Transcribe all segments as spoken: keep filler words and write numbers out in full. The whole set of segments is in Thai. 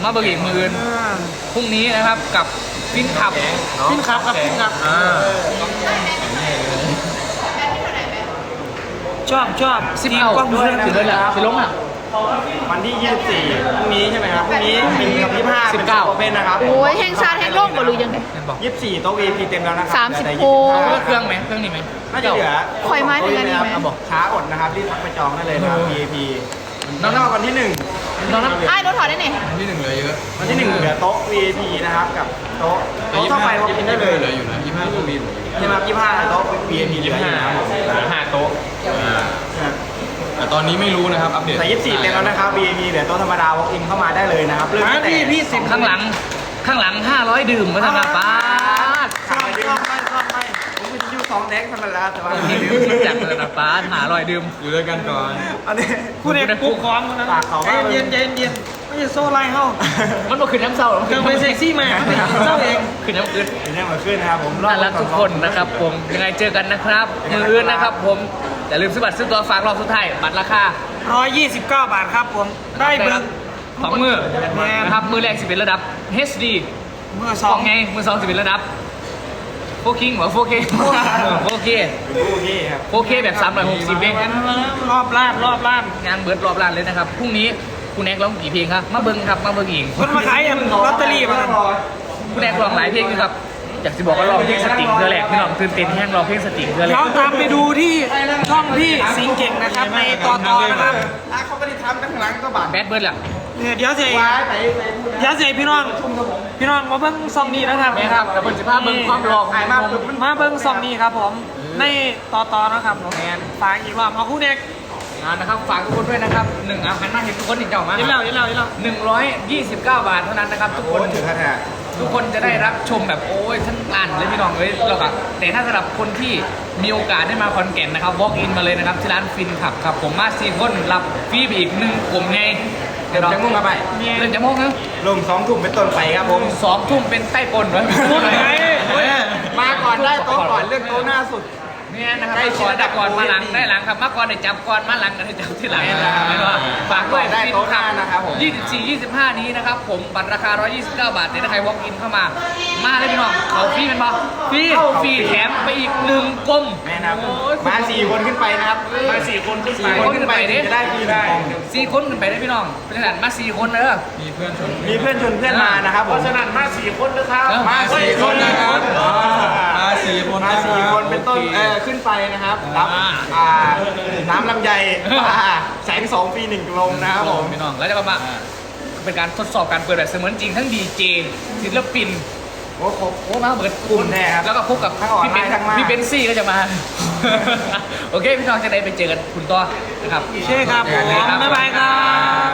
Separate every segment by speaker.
Speaker 1: มาเบิกอีกมือพรุ่งนี้นะครับกับฟินขับฟินขับครับฟินขับ
Speaker 2: ชอบชอบ
Speaker 1: สิบเก้ากล้องด้วยถึงเลยแหละสิลงอ่ะ
Speaker 3: วันที่ยี่สิบสี่พรุ่งนี้ใช่ไหมครับพรุ่งนี้เป็นกับยี่สิบห้าสิบเก้าโอเพ่นนะครับ
Speaker 4: โอ้ยแห่งชาติแห่งโลกบ่รู้ยังไง
Speaker 3: ยี่สิบสี่โต๊ะ วี ไอ พี เต็มแล้วนะครับ
Speaker 4: สามสิบโค
Speaker 1: เครื่องไหมเครื่องนี้ไหม
Speaker 3: น่าจะเหลือ
Speaker 4: คอยไม้เหมือนกันนี่ไหม
Speaker 3: บอกช้าอดนะครับรีบทักไปจองได้เลยนะครับ วี ไอ พี น้องๆวันที่หนึ่ง
Speaker 1: น้อง
Speaker 4: ไอ้รถถอดได้ไหน
Speaker 5: วันที่หนึ่งเหลือเยอะ
Speaker 3: วันที่หนึ่งเหลือโต๊ะ วี ไอ พี นะครับกับโต๊ะโต๊ะทั่วไปเรากินได้เลย
Speaker 5: เหลืออยู่นะยี่สิบห้าก็มี
Speaker 3: ใช่ไหมครับยี่สิบห้าโต๊ะ วี ไอ พี เหลืออยู่นะครับห้าโต๊ะ
Speaker 5: แต่ตอนนี้ไม่รู้นะครับอัปเดต
Speaker 3: แต่ยี่สิบสี่เต็มแล้วนะครับ วี ไอ พี เหลือโต๊ะธรรมดา walk in เข้ามาได้เลยนะครับเริ่มตั้งแต่
Speaker 1: พี่สิบข้างหลังข้างหลังห้าร้อยดื่มก็ทำมาป้า
Speaker 3: ชอบชอบไม่ชอบไม่ผมเป็นยูสองแดกธรรมดาแต่ว่า
Speaker 1: ดื่มจากเลยนะป้าหาร้อยดื่ม
Speaker 5: อยู่ด้วยกันก่อน
Speaker 3: อันนี้
Speaker 2: พูดเองปุ๊บคอมนะเย็นเย็นเย็นไม่ใช่โซ่ไล่เข้า
Speaker 1: มันบอกขึ้นน้ำเศร้า
Speaker 2: เกินไปเซ็กซี่มาไม่เศร้าเอง
Speaker 1: ขึ้นน้ำขึ้น
Speaker 3: ขึ้นน้ำขึ้นนะครับผม
Speaker 1: น่ารักทุกคนนะครับผมยังไงเจอกันนะครับมืออื่นนะครับผมอย่าลืมซื้อบัตรซื้อตัวฝากรอบสุดท้ายบัตรราคา
Speaker 2: หนึ่งร้อยยี่สิบเก้าบาทครับผมได้เบิร์
Speaker 1: สองมือนะครับมือแรกสิบเป็นระดับ เอช ดี
Speaker 2: มือสอง
Speaker 1: ไงมือสองสิบเป็นระดับโฟกิงเหรอโฟเคโฟเค
Speaker 3: โอเคครับ
Speaker 1: โฟเคแบบสามร้อยหกสิบเอง
Speaker 2: รอบล้านรอบล้าน
Speaker 1: งานเบิร์ดรอบล้านเลยนะครับพรุ่งนี้คุณแอกร้องกี่เพลงครับมาเบิ้งครับมาเบิ้งอีก
Speaker 2: คนมาขายลอตเตอรี่มา
Speaker 1: คุณแอกร้องหลายเพลงนะครับอยากจะบอกว่าร้องเพลงสติงเธอแหลกพี่น้องตื่นเต้นแห้งร้องเพลงสติงเธอแหลก
Speaker 2: เราตามไปดูที่ช่องพี่สิงเก่งนะครับในตอนต่อนะครับ
Speaker 3: เขาไม่ได้ทำตั้งหลังก็บาด
Speaker 1: แบดเบิร์ดแหละ
Speaker 2: เดี๋ยวเสียเดี๋ยวเสียพี่น้องพี่น้องมาเบิ้งซองนี้นะครับ
Speaker 1: นี่ครับแต่บนสิบห้าเบิ้งความรอง
Speaker 3: มา
Speaker 2: มาเบิ้งซองนี้ครับผมในต่อต่อนะครับผมฝากอีกรอบเอาคู่เด็ก
Speaker 1: นะครับฝากทุกคนด้วยนะครับหนึ่งอาหารน่าเห็นทุกคนอีกเจ้ามา
Speaker 2: เล่าเล่าเล่า
Speaker 1: หนึ่งร้อยยี่สิบเก้าบาทเท่านั้นนะครับทุกคน
Speaker 3: ถึงขนาด
Speaker 1: ทุกคนจะได้รับชมแบบโอ้ยท่านอ่านเลยพี่น้องเลยเราแบบแต่ถ้าสำหรับคนที่มีโอกาสได้มาคอนแก่นนะครับ walk in มาเลยนะครับที่ร้านฟินขับครับผมมาสี่คนรับฟรีไปอีกหนึ่งกลุ่มไง
Speaker 3: เดี๋ยวจะมุ่งมาไป
Speaker 1: เรื่องจะมุ่งนะ
Speaker 3: ลงสองทุ่มเป็นต้นไปครับผม
Speaker 1: สองทุ่มเป็นใต้ปนเหรอ
Speaker 3: มาก่อนได้โต๊ะก่อนเลือกโต๊ะหน้าสุด
Speaker 1: นี่นะครับได้ก่อนได้ก่อนมาหลังได้หลังครับมาก่อนได้จับก่อนมาหลังกันได้จับที่หลังนะครับฝากด้วย
Speaker 3: ได้โต๊ะหน้านะครับผม
Speaker 1: ยี่สิบสี่ ยี่สิบห้านี้นะครับผมบัตรราคาหนึ่งร้อยยี่สิบเก้าบาทแต่ถ้าใคร walk in เข้ามามาเลยพี่น้องเขาฟรีเป็นปะฟรีฟรีแถมไปอีกหนึ่งกลม
Speaker 3: แม่นะมาสี่คนขึ้นไปนะครับ
Speaker 1: มาสี่คนขึ้นไป
Speaker 3: คนขึ้นไปจะได้ฟรีได้
Speaker 1: สี่คนขึ้นไปได้พี่น้องเพราะฉะนั้นมาสี่คนเลย
Speaker 5: มีเพื่อนชวน
Speaker 3: มีเพื่อนชวนเพื่อนมานะครับเพราะฉะนั้นมาสี่คนนะครับ
Speaker 1: มาสี่คนนะครับ
Speaker 5: มาสี่คน
Speaker 3: มาสี่คนเป็นต้นเออขึ้นไปนะครับรับอ่าน้ำลำไยแสงสองปีหนึ่งลงนะครับผม
Speaker 1: พี่น้องแล้วจะมาเป็นการทดสอบการเปิดแบบเสมือนจริงทั้งดีเจศิลปิน
Speaker 3: โอ้โห
Speaker 1: โอ้มาเบิด
Speaker 3: กลุ่มแน่ครับ
Speaker 1: แล้วก็พบกับพี่เป็นพี่เป็นซี่ก็จะมาโอเคพี่น้องจะได้ไปเจอกันคุณต่อนะครับ
Speaker 2: ใช่ครับผมบ๊ายบายครับ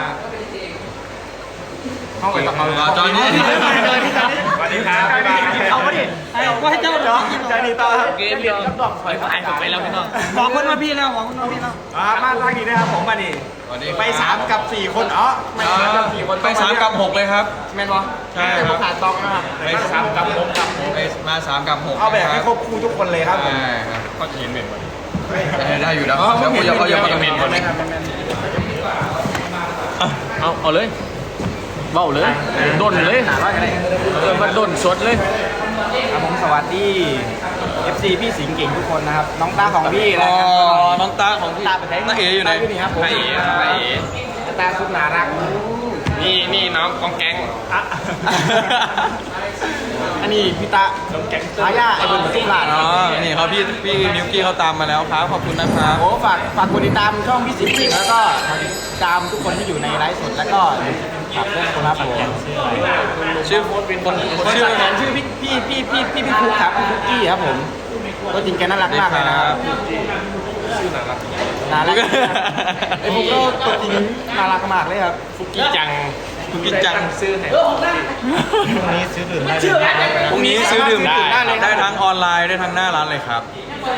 Speaker 3: เข้าไปต่อ
Speaker 5: จอยนี่
Speaker 3: สวัสดีครับบ๊ายบาย
Speaker 2: เอาไปดิเอาไปเจ้าจอย
Speaker 3: จอยนี่ต่อครับ
Speaker 1: เกมพี่น้องถอยผ่านไปแล้วพี่น้อง
Speaker 2: บอกคนมาพี่แล้วบอกคนมาพี่แล้ว
Speaker 3: อ่ามาทางนี้นะครับผมมาดิไปสามกับสี่คนอ๋อไม่สามกับสี่คน
Speaker 5: ไปสามกับหกเลยครับ
Speaker 3: แม่นบอ
Speaker 5: ใช่ครับ
Speaker 3: ขาดตองนะครับ
Speaker 5: ไปสามกับหกกับไปมาสามกับหก
Speaker 3: เอาแบบให้ครบคู่ทุกคนเลยครับ
Speaker 5: ใช่ครับก็เห็นเหม็นหมดได้อยู่แล้วเดี๋ยวผมจะเขาจะมาเหม็นหมดเลย
Speaker 1: เอาเอาเลยเบ้าเลยด้นเลยเออมันด้นสดเลย
Speaker 3: ครับผมสวัสดี เอฟ ซี พี่สิงห์เก่งทุกคนนะครับน้องตาของพี่นะครั
Speaker 5: บน้องตาของพี่
Speaker 3: ตาไปไหน
Speaker 5: น้าเอ๋อยู่ไหน
Speaker 3: ครับผม
Speaker 5: น้าเอ๋น้าเอ๋
Speaker 3: ตาสุดน่ารัก
Speaker 5: นี่นี่น้องกองแก๊ง
Speaker 3: อันนี้พี่ตาน้องแก๊งอาญาไอ้บนสุขลาด
Speaker 5: อ๋อนี่เขาพี่พี่มิวกี้เขาตามมาแล้วครับขอบคุณนะครับ
Speaker 3: โอ้ฝากฝากกดติดตามช่องพี่สิงห์เก่งแล้วก็ติดตามทุกคนที่อยู่ในไลฟ์สดแล้วก็ฝากเพื่อนคนรับผม
Speaker 5: ชื่อคนเป็นคน
Speaker 3: คนชื่อแทนชื่อพี่พี่พี่พี่พี่พี่คุกครับพี่คุกกี้ครับผมตัวจริงแกน่ารักมากเลยนะครับ
Speaker 5: ชื่อน่ารัก
Speaker 3: น่ารักไอ้ผมก็ตัวจริงน่ารักมากเลยครับ
Speaker 5: ฟุกี้จังฟุกี้จัง
Speaker 3: ซื้อให้พรุ่งนี้ซื้อดื่มได้
Speaker 5: พรุ่งนี้ซื้อดื่มได้ได้ทั้งออนไลน์ได้ทั้งหน้าร้านเลยครับ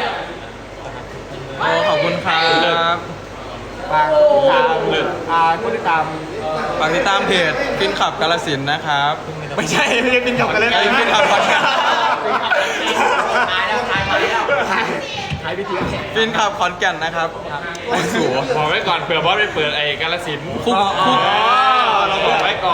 Speaker 5: โอ้ขอบคุณครับ
Speaker 3: ฝากติดตามอ่าก็ติดตาม
Speaker 5: ฝากติดตามเพจฟินขับกาฬสินธุ์นะครับ
Speaker 3: ไม่ใช่ไม่ใช่ฟินขับกาฬสินธุ์
Speaker 5: ฟินขับขอนแก่น
Speaker 3: ถ่ายแล้วถ่ายมาแล้วถ่ายถ่ายวิธี
Speaker 5: ฟินขับขอนแก่นนะครับโอ้สู
Speaker 1: บอกไว้ก่อนเผื่อบอสไปเปิดไอ้กาฬสินธุ์
Speaker 5: คุกคุก
Speaker 1: เราบอกไว้ก่อน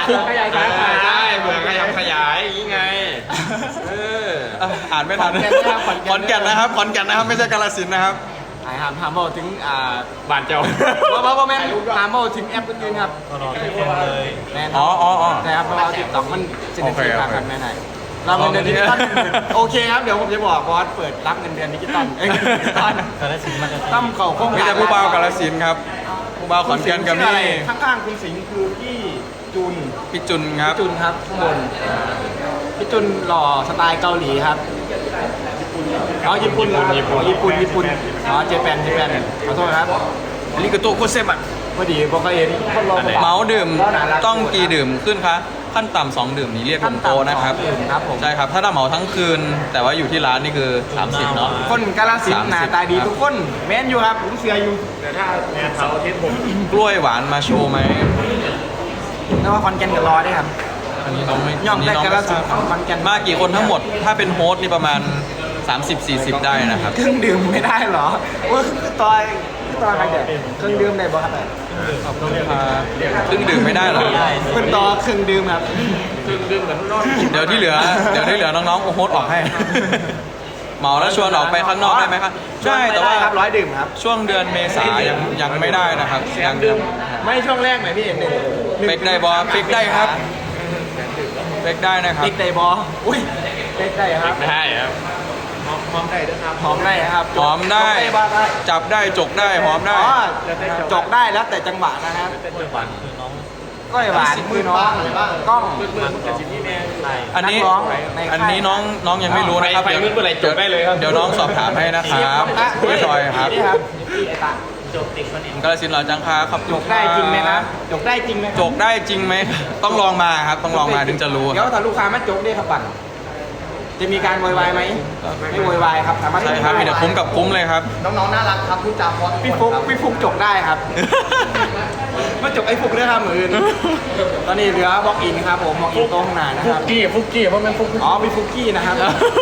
Speaker 5: คุก
Speaker 3: ขยายสาขา
Speaker 5: ใช่เผื่อขยับขยายอย่างงี้ไงเอออ่ะอ่านไม่ทัน
Speaker 3: ขอนแก่นนะครับขอนแก่น
Speaker 5: ขอนแก่นนะครับไม่ใช่กาฬสินธุ์นะครับ
Speaker 3: ไอ้หามหามเอาถึงอ่า
Speaker 5: บ้านเจ้า
Speaker 3: ว่าว่าว่าแม่นหามเอาถึงแอปอื่นๆครับแม่น
Speaker 5: อ๋ออ๋ออ๋อ
Speaker 3: นะครับเพราะว่าติ๊กต็อกมันจะได้
Speaker 5: โอเค
Speaker 3: ที
Speaker 5: โอเค
Speaker 3: มกันแม่ไหนเราเงินเดือนดิจิตอลโอเคครับเดี๋ยวผมจะบอกบอสเปิดรับเงินเดือนดิจิตอลเอ้ยดิจิตอลตั้มเข่าโค้ง
Speaker 5: มีแต่ผู้บ่าวกาฬสินธุ์ครับผู้บ่าวขอนแก่นกับ
Speaker 3: ชื่ออะไร
Speaker 5: นี่
Speaker 3: ข้างๆคุณสิงห์คือพี่จุน
Speaker 5: พี่จุนครับ
Speaker 3: พี่จุนครับข้างบนพี่จุนหล่อสไตล์เกาหลีครับอ๋อญี่ปุ่นเหรอครับอ๋อญี่ปุ่นญี่ปุ่นอ๋อเจแปนเจแปนขอโทษครับ
Speaker 5: อันนี้คือตัวโคตรเซฟอ่ะ
Speaker 3: พอดีบอกเขาเห็นคนรอ
Speaker 5: เมาส์ดื่มต้องกี่ดื่มขึ้นคะขั้นต่ำสองดื่มนี้เรียกลงโตะนะครับ
Speaker 3: ครับผม
Speaker 5: ใช่ครับถ้าถ้าเหมาทั้งคืน แต่ว่าอยู่ที่ร้านนี่คือสามสิบเนาะ
Speaker 3: คนกาลสินธุ์
Speaker 5: สามสิบ
Speaker 3: หน้าตาดีทุกคนแม่นอยู่ครับผมเสียอยู่แต่ถ้าแม่นเสาร์อาทิตย์ผม
Speaker 5: กล้วยหวานมาโชว์ไหม
Speaker 3: แล้วว่าคอนแกนกับรอได้ครับ
Speaker 5: อันนี้น้องไม่
Speaker 3: ย่อม
Speaker 5: นนี้
Speaker 3: ได้
Speaker 5: น้อง
Speaker 3: กาล
Speaker 5: ไม่ท
Speaker 3: สิ
Speaker 5: ราน
Speaker 3: ธุ์
Speaker 5: บ
Speaker 3: คอนแกน
Speaker 5: มากี่คนทั้งหมด ถ้าเป็นโฮสต์นี่ประมาณ สามสิบสี่สิบ ได้นะครับ
Speaker 3: เครื่องดื่มไม่ได้เหรอโอ้ยตอยตอยใครเด็ดเครื่องดื่มได้บ่ครับ
Speaker 5: ขอบคุณครับเครื่องดื่มไม่ได้เหรอ
Speaker 3: เป็นต่อเครื่องดื่มครับ
Speaker 5: เดี๋ยวที่เหลือ เดี๋ยวที่เหลือน้องๆโฮสต์ออกให้ เหมาแล้วชวนออกไปข้างนอกได้ไหมครับใช่แต่ว่า
Speaker 3: ครับร้อยดื่มครับ
Speaker 5: ช่วงเดือนเมษายังยังไม่ได้นะครับยัง
Speaker 3: ไม่ช่วงแรกไหมพี่หนึ่ง
Speaker 5: เฟกได้บอเฟกได้ครับเฟกได้นะครับ
Speaker 3: เฟกได้บออุ้ยเฟกได้ครับ
Speaker 5: ได้ครับ
Speaker 3: หอมได้ด้วยครับหอมได้ครับ
Speaker 5: หอมได้
Speaker 3: จกบ้างได้
Speaker 5: จับได้จกได้หอมได้
Speaker 3: อ๋อจกได้แล้วแต่จังหวะนะครับก้อยหวานคือน้องกล้อง
Speaker 5: อันนี้
Speaker 3: นักร้องในค่าย
Speaker 5: อันนี้น้องน้องยังไม่รู้นะครับ
Speaker 2: ไปไปเมื่อไหร่จบได้เลยครับ
Speaker 5: เดี๋ยวน้องสอบถามให้นะครับพี่จอยครับ
Speaker 3: นี่ครับไอ้ตาก
Speaker 5: าฬสินธุ์หล่อจังคาครับ
Speaker 3: จกได้จริงไหมนะจกได้จริงไหม
Speaker 5: จกได้จริงไหมต้องลองมาครับต้องลองมาถึงจะรู้
Speaker 3: เดี๋ยวถ้าลูกค้ามาจกได้ครับปั่นจะมีการโวยวายไหมไม่โวยวายครับสามารถ
Speaker 5: ใช่ครับมีแต่คุ้มกับคุ้มเลยครับ
Speaker 3: น้องๆน่ารักครับพูดจาเพราะพี่ฟุกพี่ฟุกจกได้ครับ มาจกไอ้ฟุกเรื่องครับมืออื่นตอนนี้เหลือบล็อกอินครับผมบล็อกอินโต๊ะข้างหน้านะ
Speaker 2: ฟุ
Speaker 3: ค
Speaker 2: ก
Speaker 3: รับ
Speaker 2: กี้ฟุกกี้เพราะมันฟุก
Speaker 3: อ๋อมีฟุกกี้นะครับ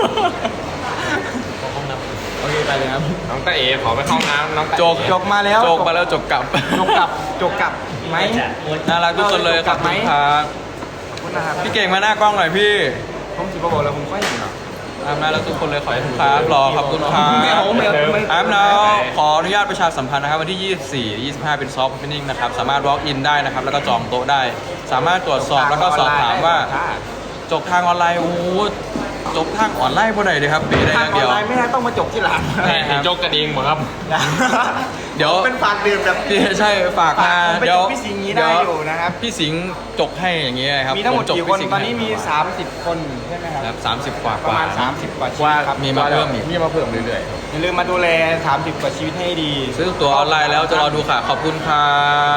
Speaker 3: โอเคไปเลยครับ
Speaker 2: น้องตาเอ๋ขอไปเข้าห้องน้ำน้องตา
Speaker 5: จก
Speaker 3: จกมาแล้ว
Speaker 5: จกมาแล้วจกกลับ
Speaker 3: จกกลับจกกลับไหม
Speaker 5: น่ารักทุกคนเลยขอบคุณครับ
Speaker 3: ขอบคุณนะครับ
Speaker 5: พี่เก่งมาหน้ากล้องหน่อยพี่
Speaker 3: ผมสิบบอกแล้วผมก็เห็นเนาะ
Speaker 5: ตามมาแล้วทุกคนเลยขอให้ทุกครับรอขอบคุณครับ
Speaker 3: ไม่เอาไม่เอาไม่
Speaker 5: ครับแล้วขออนุญาตประชาสัมพันธ์นะครับวันที่ ยี่สิบสี่ ยี่สิบห้า เป็นซอฟต์โอเพนนิ่งนะครับ สามารถ walk in ได้นะครับ แล้วก็จองโต๊ะได้ สามารถตรวจสอบแล้วก็สอบถามว่า จบทางออนไลน์โอ้โหจบทางออนไลน์พอไหนดีครับปีได้อ
Speaker 3: ทาง
Speaker 5: ย่าง
Speaker 3: ออ
Speaker 5: เดี
Speaker 3: น
Speaker 5: ยว
Speaker 3: ไลน์ไม่ได้ต้องมาจบที่ร้าน
Speaker 5: ใช่ครับ
Speaker 2: จกกันเองหมดครับ
Speaker 5: เดี๋ยว
Speaker 3: เป็นฝากดื่มแบบ
Speaker 5: พี่ใช่ฝากมา
Speaker 3: ผมไป
Speaker 5: เดี๋ยว
Speaker 3: จบพี่สิงห์นี้ได้อยู่นะครับ
Speaker 5: พี่สิงห์จกให้อย่างเงี้ยครับ
Speaker 3: มีทั้งหมด
Speaker 5: ผจ
Speaker 3: กี่คน
Speaker 5: พี่สิงห์
Speaker 3: ตอนนี้มี
Speaker 5: ให้
Speaker 3: สามสิบคนใช่ไหมครับ
Speaker 5: ครับสามสิบกว่า
Speaker 3: ประมาณ
Speaker 5: กว่
Speaker 3: สามสิบกว่าชี
Speaker 2: ว่า
Speaker 3: วิตครับ
Speaker 5: มีมาเพิ่มอีก
Speaker 2: มีมาเพิ่มเรื่อย
Speaker 3: อย่าลืมมาดูแลสามสิบกว่าชีวิตให้ดี
Speaker 5: ซื้อตั๋วออนไลน์แล้วจะรอดูค่ะ ขอบคุณครับ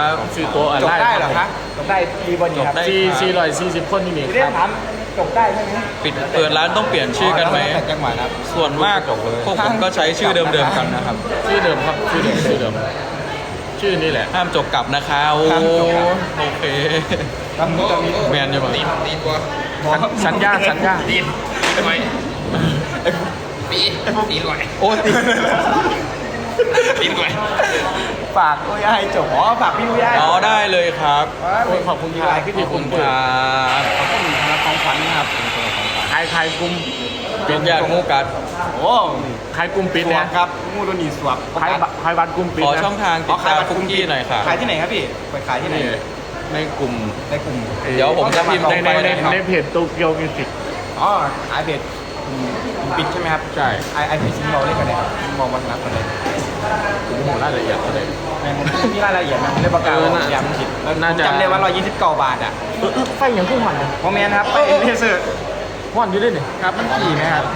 Speaker 2: ๆซื้อตัวอะ
Speaker 3: จบ
Speaker 2: ไร
Speaker 3: ได้เหรอคะจบได้ฟรีบอดี้ครับ
Speaker 5: จบได้
Speaker 2: สี่สี่ร้อยสี่สิบคนที่นี่
Speaker 3: เรีย
Speaker 2: ค
Speaker 3: ก
Speaker 2: รับ
Speaker 3: ถามจบได้ใช่ไหม
Speaker 5: ปิดเปิดร้านต้องเปลี่ยนชื่อกันไหม
Speaker 3: แต่จังหวะนะครับ
Speaker 5: ส่วนมากพวกผมก็ใช้ชื่อเดิมๆกันนะครับ
Speaker 2: ชื่อเดิมครับชื่อเดิมชื่อเดิมชื่อนี่แหละ
Speaker 5: ห้ามจบกลับนะคะโอ้
Speaker 3: ห้ามจบกลับ
Speaker 5: โอเค
Speaker 3: ตอนนี้ตอนนี้
Speaker 5: แมนอยู่ป่ะ
Speaker 2: สัญญาสัญญา
Speaker 1: ตีนตีนไว้ปีตีนไว้
Speaker 5: โอ้ตี
Speaker 1: ตีนไว้
Speaker 3: ฝากโอ้ยให้จบอ๋อฝากพี่อุ้ยให้
Speaker 5: อ๋อได้เลยครับ
Speaker 2: โอ้ยขอบคุณครับ
Speaker 3: พี่
Speaker 5: ข
Speaker 3: ที่
Speaker 5: อบ
Speaker 3: คุ
Speaker 5: คุณ ณ
Speaker 3: เปิ
Speaker 5: ค
Speaker 3: ด
Speaker 5: รับ
Speaker 3: ขอบคุณครับของขวัญนะครับ
Speaker 2: ใครใครกลุ่ม
Speaker 5: เป็นญาติงูกัด
Speaker 3: โอ้
Speaker 2: ใครกลุ่มปิด
Speaker 3: สว
Speaker 2: เนี่
Speaker 3: บ
Speaker 2: ย
Speaker 3: ครับงูโดนีสวบ
Speaker 2: ใครใครบัตรกลุ่มปิด
Speaker 5: ขอ
Speaker 2: นะ
Speaker 5: ช่องทางติดตามคุกกี้หน่อยค่ะ
Speaker 3: ขายที่ไหนครับพี่ไปขายที่ไหน
Speaker 2: นี่ในกลุ่ม
Speaker 3: ในกลุ่ม
Speaker 5: เดี๋ยวผมจะพิมพ์
Speaker 2: ในในใน
Speaker 5: นะครับ
Speaker 2: ในเพจโตเกียวมิวสิก
Speaker 3: อ๋อขายเบ็ดปิดใช่ไหมครับ
Speaker 2: ใช่
Speaker 3: ไอไอพีซิงเราเล่นกันเลยครับมองวันนัดกันเลย
Speaker 2: ผมโหรายละเอียดเลย
Speaker 3: แม่งมันมีรายละเอียดนะเรื่องประกัน
Speaker 2: เออน่า
Speaker 3: ย้ำผิดแล้ว
Speaker 2: น่าจะ
Speaker 3: จำได้ว่าร้อยยี่สิบเก้าบาทอ่ะ
Speaker 2: ไฟอย่างผู้หัน
Speaker 3: โมเมนต์ครับไปเลเซอร์
Speaker 2: หันอยู่ด้วยนี่
Speaker 3: ครับมันขี่ไหมครับ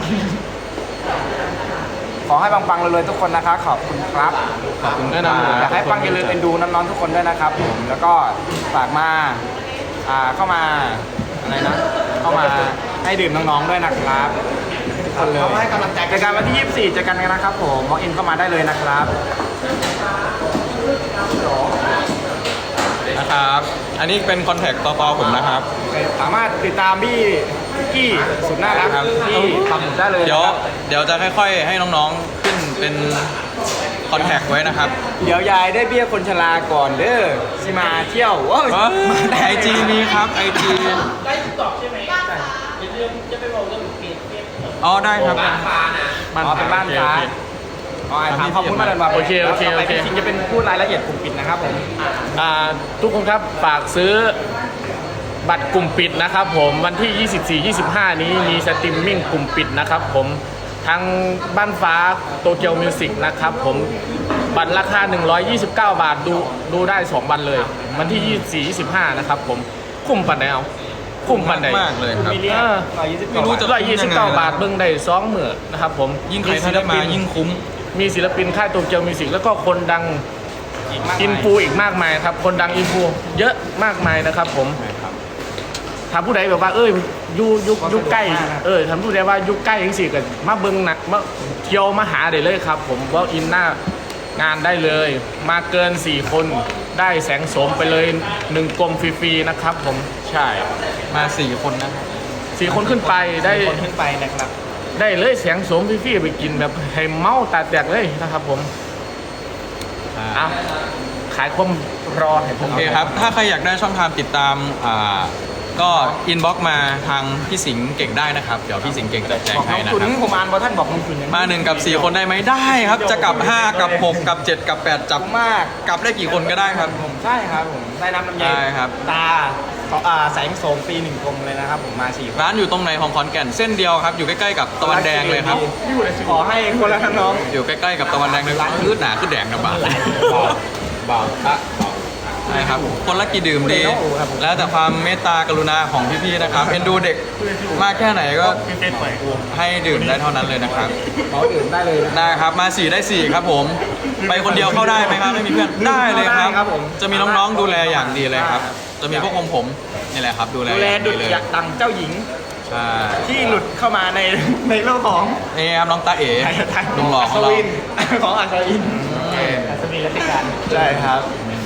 Speaker 3: ขอให้ปังๆเลยๆทุกคนนะคะขอบคุณครับ
Speaker 5: ขอบคุณ
Speaker 2: แนะ
Speaker 5: ครั
Speaker 2: นำเลย
Speaker 3: อยากให้ปังอย่าลืมเอ็นดูน้องๆทุกคนด้วยนะครับผมแล้วก็ฝากมาอ่าเข้ามาอะไรนะ เข้ามาให้ดื่มน้องๆด้วยนะครับทุกคนเลยให้กำลังใจเจอกันวันที่ยี่สิบสี่เจอกันกันนะครับผมมองอินเข้ามาได้เลยนะครับ
Speaker 5: นะครับ อันนี้เป็นคอนแทคต่อๆผมนะครับ
Speaker 3: สามารถติดตามพี่คุกกี้สุดน่ารัก
Speaker 5: ครับ
Speaker 3: ที่ทำได้เลย
Speaker 5: เดี๋ยว
Speaker 3: นะครับ
Speaker 5: เดี๋ยวจะค่อยๆ ให้น้องๆ ขึ้นเป็นคอนแทคไว้นะครับ
Speaker 3: เดี๋ยวยายได้เบี้ยคนชราก่อนเด้อสิมาเที่ยวโอ้ย
Speaker 5: ไอจีมีครับไอจีอ๋อได้ครับ
Speaker 3: อ๋อเป็นบ้านฟ้าอ๋อไอ้ถามข้อมูลมาแล้วว่า
Speaker 2: โอเคโอเคโอเค
Speaker 3: จริงจะเป็นพูดรายละเอียดกลุ่มปิดนะครับผม
Speaker 2: อ่าทุกคนครับฝากซื้อบัตรกลุ่มปิดนะครับผมวันที่ ยี่สิบสี่ ยี่สิบห้า นี้มีสตรีมมิ่งกลุ่มปิดนะครับผมทางบ้านฟ้าโตเกียวมิวสิกนะครับผมบัตรราคา หนึ่งร้อยยี่สิบเก้า บาทดูดูได้สองวันเลย วันที่ ยี่สิบสี่ ยี่สิบห้า นะครับผมคุ้มปันไหนเอาคุ้มปันไหน
Speaker 5: มากเลยครับ
Speaker 3: มิลเลียนร้อยยี่สิบ
Speaker 5: ไม่รู้จะ
Speaker 2: ร้อยยี่สิบเก้าบาทเบิ่งได้สองหมื่นนะครับผม
Speaker 5: ยิ่งใครที่ได้มายิ่งคุ้ม
Speaker 2: มีศิลปินค่ายโตเกียวมิวสิกแล้วก็คนดัง อินฟูอีกมากมายครับคนดังอินฟูเยอะมากมายนะครับผมถามผู้ใดแบบว่าเอ้ยอยูอยุยุใกล้เออถามผู้ใดว่าอยุใกล้ยังสิกันมาเบิ้งหนักมาเที่ยวมาหาได้เลยครับผมว่าอินหน้างานได้เลย มาเกินสี่คนได้แสงโสมไปเลยหนึ่งกลมฟรีๆนะครับผมใช่
Speaker 5: มาสี่คนนะครับ
Speaker 2: สี่คนขึ้นไปได้
Speaker 3: คนขึ้นไปนะครับ
Speaker 2: ได้เลยแสงโสมฟรีๆไปกินแบบให้เมาตาแตกเลยนะครับผมอ่ะขายความรอให้ผ
Speaker 5: โอ
Speaker 2: ม
Speaker 5: เคครับ ถ้าใครอยากได้ช่องทางติดตามอ่าก็อินบ็อกมาทางพี่สิงห์เก่งได้นะครับ เดี๋ยวพี่สิงห์เก่งจะแจ้ง
Speaker 3: บอก
Speaker 5: ให้
Speaker 3: น้อง
Speaker 5: นะ
Speaker 3: ขุน
Speaker 5: ครับ
Speaker 3: ผมอ่านว่าท่านบอกน้องขุนอย่าง
Speaker 5: มาหนึ่งกับสี่คนได้ไหมได้ครับ จะกลับห้ากับหกกับเจ็ดกับแปดจับ
Speaker 3: มาก
Speaker 5: กลับได้กี่คนก็ได้ครับ
Speaker 3: ผมใช่ครับผมได้น้ำลำไย
Speaker 5: ได้ครับ
Speaker 3: ตาอ่าแสงโสมปีหนึ่งกลมเลยนะครับผมมาสี่คน
Speaker 5: ร้านอยู่ตรงไหนของขอนแก่นเส้นเดียวครับ อยู่ใกล้ๆกับตะวันแดงเลยครับ
Speaker 3: ขอให้คนละทั้งน้อง
Speaker 5: อยู่ใกล้ๆกับตะวันแดงเลยขึ้นหนาขึ้นแดงนะบ่าบ่าวพระใช่ครับคนละกี่ดื่มดี แล้วแต่ความเมตตากรุณาของพี่ๆนะครับเอ็นดูเด็กมากแค่ไหนก็ให้ดื่มได้เท่านั้นเลยนะครับ
Speaker 3: ขอดื่มได้เลยนะ
Speaker 5: ได้ครับมาสี่ได้สี่ครับผม ไปคนเดียวเข้าได้ไหมครับไม่มีเพื่อนได้เลยครับ
Speaker 3: ได้ครับผม
Speaker 5: จะมีน้องๆดูแลอย่างดีเลยครับ จะมีพวกผมผมนี่แหละครับดูแล
Speaker 3: ดูแล
Speaker 5: อย่าง
Speaker 3: ดุ
Speaker 5: ดี
Speaker 3: จ
Speaker 5: เลย
Speaker 3: อยากดังเจ้าหญิง
Speaker 5: ใช่
Speaker 3: ที่หลุดเข้ามาในในโลกของ
Speaker 5: นี่ครับน้องตาเอ๋ลุงหล่อของเรา
Speaker 3: วินของอัศวิน
Speaker 5: อืม
Speaker 3: อัศวินรัชกาลใช่ครับ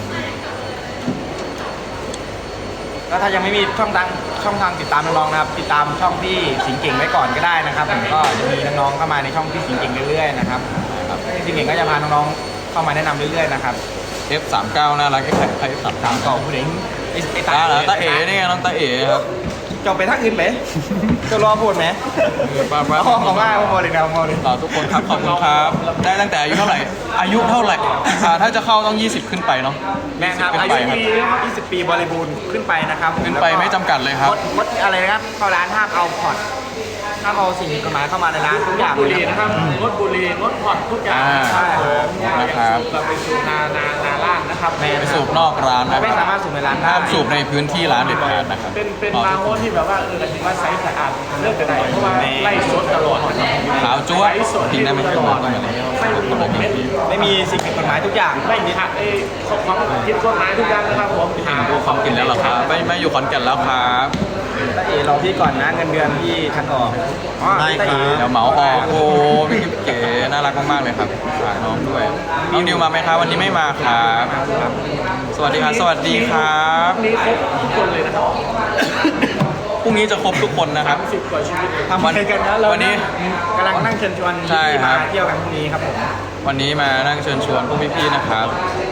Speaker 3: แล้วถ้ายังไม่มีช่องทางช่องทางติดตามน้องๆนะครับ ติดตามช่องพี่สิงห์เก่งไว้ก่อนก็ได้นะครับผมก็จะมีน้องๆเข้ามาในช่องพี่สิงห์เก่งเรื่อยๆนะครับครับพี่สิงห์เก่งก็จะพาน้องๆเข้ามาแนะนำเรื่อยๆนะครับ
Speaker 5: เอฟ สามสิบเก้าน่ารักไอ้ใคร เอฟ สามสิบ
Speaker 3: ตา
Speaker 5: เก้าม
Speaker 3: ต่อผู้เล่นไอ้ไอ้
Speaker 5: ตาเหรอตาเอ๋นี่ไงน้องตาเอ๋ครับ
Speaker 3: จบไปทักอื่นไหมจะรอพูดไหม
Speaker 5: ป้าป้า
Speaker 3: อ๋อของง่ายพอเลยนะพอเลย
Speaker 5: ต่อทุกคนครับขอบคุณครับ ได้ตั้งแต่อายุเท่าไหร่ อายุเท่าไหร่อ่าถ้าจะเข้าต้องยี่สิบขึ้นไปเนาะ
Speaker 3: แม่ครับ
Speaker 5: ขึ้
Speaker 3: อาน
Speaker 5: ไป
Speaker 3: ยุ
Speaker 5: ครับ
Speaker 3: ปียี่สิบปีบริบูรณ์ขึ้นไปนะครับ
Speaker 5: ขึ้นไปไม่จำกัดเลยครับ
Speaker 3: งดงดอะไรนะครับเข้าร้านห้ามเอาพอร์ตห้ามเอาสิ่งผิดกฎหมายเข้ามาในร้านทุกอย่าง
Speaker 2: บุ
Speaker 3: เล
Speaker 2: หรี่
Speaker 3: ย
Speaker 2: นะครับงดบุหรี่งดผ่อนทุกอย่าง
Speaker 5: อ่า
Speaker 3: ใช่ผม
Speaker 5: นะครับ
Speaker 2: เราไปสูบนานานาล่างนะครับ
Speaker 5: ไปสูบนอกร้านนะ
Speaker 3: ไม่สามารถสูบในร้านได้
Speaker 5: ห้ามสูบในพื้นที่ร้านเด็ดขาดนะครับ
Speaker 2: เป็นเป็นบาร์โฮสที่แบบว่าเออถือว่าไซส์สะอาดเลิกกันได้เพราะว่าไล่สดตลอด
Speaker 5: ขาวจั๊ว
Speaker 2: ไล่สด
Speaker 5: ทิ้งได้ไหม
Speaker 2: ตลอด
Speaker 5: ไม่เป็นไร
Speaker 2: ไม่มีผมไม่
Speaker 3: ไม่มีสิ่งผิดกฎหมายทุกอย่าง
Speaker 2: ไม่มีหักไอ้ของคิดกฎหมายทุกอย่างนะครับผม
Speaker 5: พี่สิงห์ดูความกินแล้วเหรอครับไม่ไม่อยู่ขอนแก่นแล้วครับ
Speaker 3: ตาเอ๋รอพี่ก่อนนะเงินเดือนพี่ทันออกอ๋อ
Speaker 5: ได้
Speaker 3: ตา
Speaker 5: ครั
Speaker 3: อ๋
Speaker 5: บเดี๋ยวเหมาออกโอ้พี่กิ๊บเก๋น่ารักมากๆเลยครับฝากน้องด้วยน้องดิวมาไหมครับวันนี้ไม่มาครับสวัสดีครับสวัสดีครับ
Speaker 2: นี่ครบทุกคนเลยนะครับ
Speaker 5: พรุ่งนี้จะครบทุกคนนะครับ
Speaker 2: สิบกว่าชีวิต
Speaker 3: ทำอะไรกันนะเรา
Speaker 5: วันนี้
Speaker 3: กำลังนั่งเชิญชวน
Speaker 5: ใช่
Speaker 3: พี่
Speaker 5: ครั
Speaker 3: มา
Speaker 5: บ
Speaker 3: เที่ยวกันพรุ่งนี้ครับผม
Speaker 5: วันนี้มานั่งเชิญชวนพวกพี่ๆนะครับ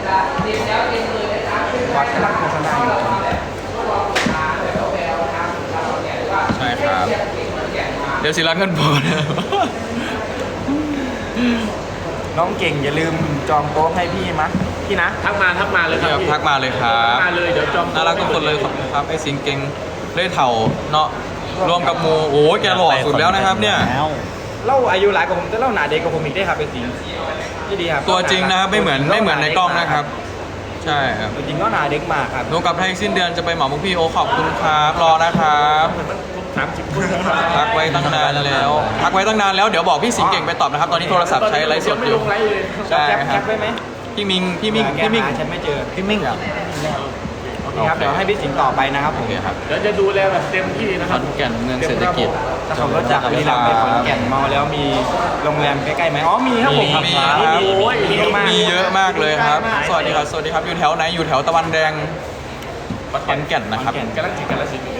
Speaker 3: วัดกำลังโฆษณาอยู่
Speaker 5: ใช่ครับ เดี๋ยวศิลาเงินพอนะ
Speaker 3: น้องเก่งอย่าลืมจองโต๊ะให้พี่มะพี่นะ
Speaker 2: ทักมาทักมาเลยค
Speaker 5: เดี๋
Speaker 2: รั
Speaker 5: ยว
Speaker 2: บ
Speaker 5: พักมาเลยครับ
Speaker 2: มาเลยเดี๋ยวจอง
Speaker 5: น่ารักทุกคนเลยขอบคุณครับไอ้สิงเก่งเล่เถ่าเนาะรวมกับหมูโอ้ยแกหล่อสุดแล้วนะครับเนี่ย
Speaker 3: เล่าอายุหลายกว่าผมแต่เล่าหนาเด็กกว่าผมอีกได้ครับเป็นจริงที่ดีครับ
Speaker 5: ตัวจริงนะครับไม่เหมือนไม่เหมือนในกล้องนะครับ ใช่ครับ
Speaker 3: ตัวจริงก็หนาเด็กมากครับ
Speaker 5: ดูกับไทยสิ้นเดือนจะไปเหมาพวกพี่โอขอบคุณครับรอนะครับ
Speaker 2: สามสิบคน
Speaker 5: พักไว้ตั้งนานแล้วพักไว้ตั้งนานแล้วเดี๋ยวบอกพี่สิงเก่งไปตอบนะครับ ตอนนี้โทรศัพท์ใช้ไลฟ์สดอยู่
Speaker 2: ไม่ลงไลฟ์เลย
Speaker 5: ใช่
Speaker 3: แคป
Speaker 5: ค
Speaker 3: แครับ ปไว้ไหม
Speaker 5: พี่มิงพี่มิงพี่มิง
Speaker 3: แกหาฉันไม่เจอ
Speaker 5: พี่มิงอ่ะ
Speaker 3: โอเคครับเดี๋ยวให้พี่สิงห์ต่อไปนะครับผ
Speaker 5: โอ
Speaker 3: ม
Speaker 5: เคครับ
Speaker 2: เดี๋ยวจะดูแลแบบเต็มที่นะ
Speaker 5: ข
Speaker 2: ครั
Speaker 5: อบ นแก่นเมืองเศรษฐกิจ
Speaker 3: ถ้าขับรถจากบุรีรัมย์ไปขอนแก่นเมาแล้วมีโรงแรมใกล้ๆไหมอ๋อมีครับผม
Speaker 5: มีมีครับ
Speaker 3: โอ้ยมีเยอะมาก
Speaker 5: มีเยอะมากเลยครับ สวัสดีครับ สวัสดีครับ อยู่แถวไหน อยู่แถวตะวันแดงขอนแก่นนะครับ
Speaker 3: ขอนแก่น
Speaker 2: กำลังจิตกำลังจิต